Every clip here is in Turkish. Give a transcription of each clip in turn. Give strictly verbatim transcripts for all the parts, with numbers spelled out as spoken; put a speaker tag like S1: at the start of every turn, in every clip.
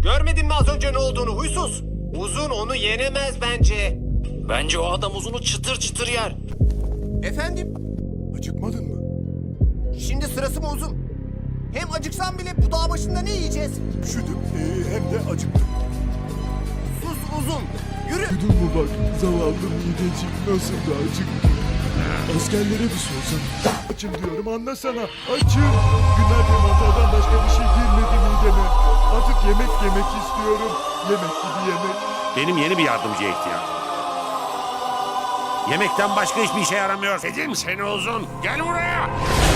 S1: Görmedin mi az önce ne olduğunu huysuz? Uzun onu yenemez bence.
S2: Bence o adam Uzun'u çıtır çıtır yer.
S3: Efendim?
S4: Acıkmadın mı?
S3: Şimdi sırası mı Uzun? Hem acıksam bile bu dağ başında ne yiyeceğiz?
S4: Üşüdüm ee, hem de acıktım.
S3: Sus Uzun. Yürü.
S4: Duydun mu bak zavallı midecik nasıl da acıktı. Askerlere bir sorsan. Açım diyorum anlasana. Açım. Günlerdir mantardan başka bir şey girmedi mideme. Artık yemek yemek istiyorum. Yemek gibi yemek.
S5: Benim yeni bir yardımcıya ihtiyacım. Yemekten başka hiçbir işe yaramıyor. Dedim seni Uzun. Gel buraya.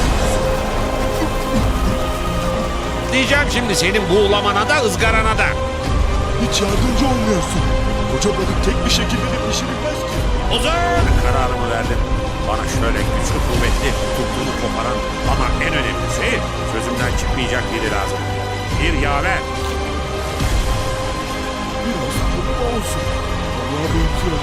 S5: Diyeceğim şimdi senin buğulamana da ızgarana da.
S4: Hiç yardımcı olmuyorsun. Koca balık tek bir şekilde de pişirilmez ki.
S5: Uzun! Kararımı verdim. Bana şöyle güçlü kuvvetli tuttuğunu koparan ama en önemlisi sözümden çıkmayacak biri lazım. Bir yaver.
S4: Biraz kurma olsun. Allah'a benziyor.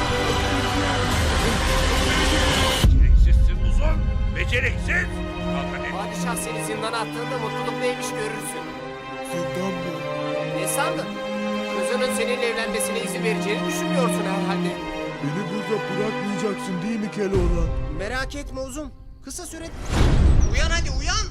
S5: Beceriksizsin Uzun. Beceriksiz. Kalk hadi.
S1: Padişah seni zindana attığında mutluluk neymiş görürsün.
S4: Zindan mı?
S1: Ne sandın? Kızının seninle evlenmesine izin vereceğini düşünmüyorsun herhalde.
S4: Beni burada bırakmayacaksın değil mi Keloğlan?
S3: Merak etme Uzun. Kısa sürede... Uyan hadi uyan.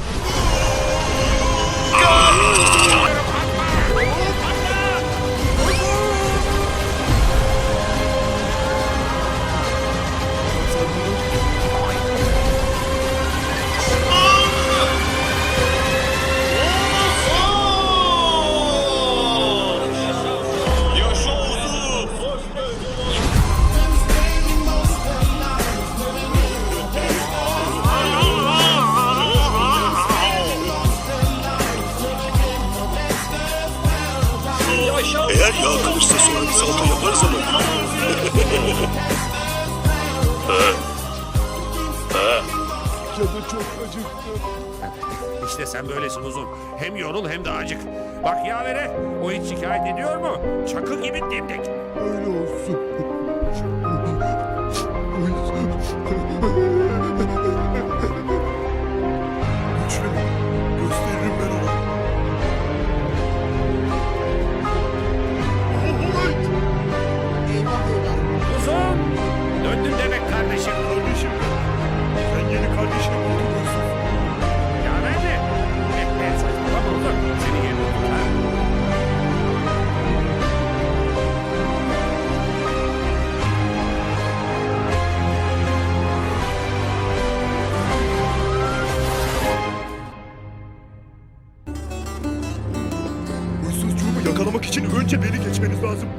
S6: Eğer yağ kalırsa sonra bir salto yaparız ama.
S4: Canı çok acıktı.
S5: İşte sen böylesin Uzun. Hem yorul hem de acık. Bak yavere o hiç şikayet ediyor mu? Çakıl gibi dimdik.
S4: Öyle olsun. Güçlü mü? Gösteririm ben ona. Oy!
S3: Eyvah eyvah.
S5: Uzun! Döndün demek kardeşim.
S4: Kardeşim, sen yeni kardeşini buldun musun?
S5: Yaver mi? Hep ben saçmalama Uzun. Seni yerine tutar.
S4: Huysuzcuğumu yakalamak için önce beni geçmeniz lazım.